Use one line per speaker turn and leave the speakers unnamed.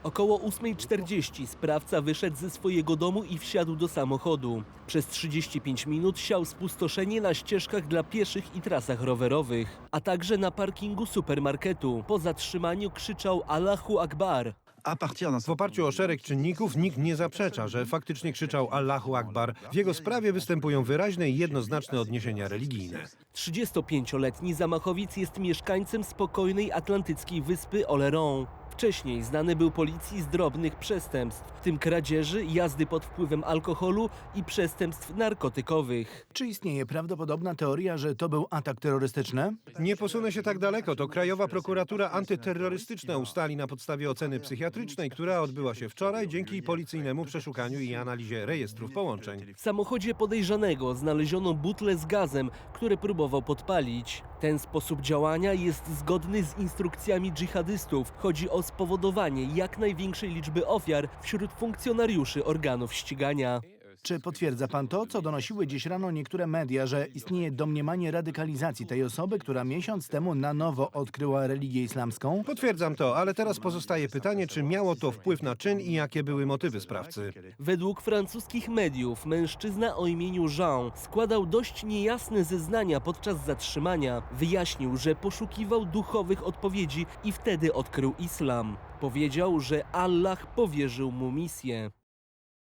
Około 8:40 sprawca wyszedł ze swojego domu i wsiadł do samochodu. Przez 35 minut siał spustoszenie na ścieżkach dla pieszych i trasach rowerowych, a także na parkingu supermarketu. Po zatrzymaniu krzyczał Allahu Akbar.
W oparciu o szereg czynników nikt nie zaprzecza, że faktycznie krzyczał Allahu Akbar. W jego sprawie występują wyraźne i jednoznaczne odniesienia religijne.
35-letni zamachowiec jest mieszkańcem spokojnej atlantyckiej wyspy Oléron. Wcześniej znany był policji z drobnych przestępstw, w tym kradzieży, jazdy pod wpływem alkoholu i przestępstw narkotykowych.
Czy istnieje prawdopodobna teoria, że to był atak terrorystyczny?
Nie posunę się tak daleko. To Krajowa Prokuratura Antyterrorystyczna ustali na podstawie oceny psychiatrycznej, która odbyła się wczoraj dzięki policyjnemu przeszukaniu i analizie rejestrów połączeń.
W samochodzie podejrzanego znaleziono butlę z gazem, które próbował podpalić. Ten sposób działania jest zgodny z instrukcjami dżihadystów. Chodzi o spowodowanie jak największej liczby ofiar wśród funkcjonariuszy organów ścigania.
Czy potwierdza pan to, co donosiły dziś rano niektóre media, że istnieje domniemanie radykalizacji tej osoby, która miesiąc temu na nowo odkryła religię islamską?
Potwierdzam to, ale teraz pozostaje pytanie, czy miało to wpływ na czyn i jakie były motywy sprawcy.
Według francuskich mediów mężczyzna o imieniu Jean składał dość niejasne zeznania podczas zatrzymania. Wyjaśnił, że poszukiwał duchowych odpowiedzi i wtedy odkrył islam. Powiedział, że Allah powierzył mu misję.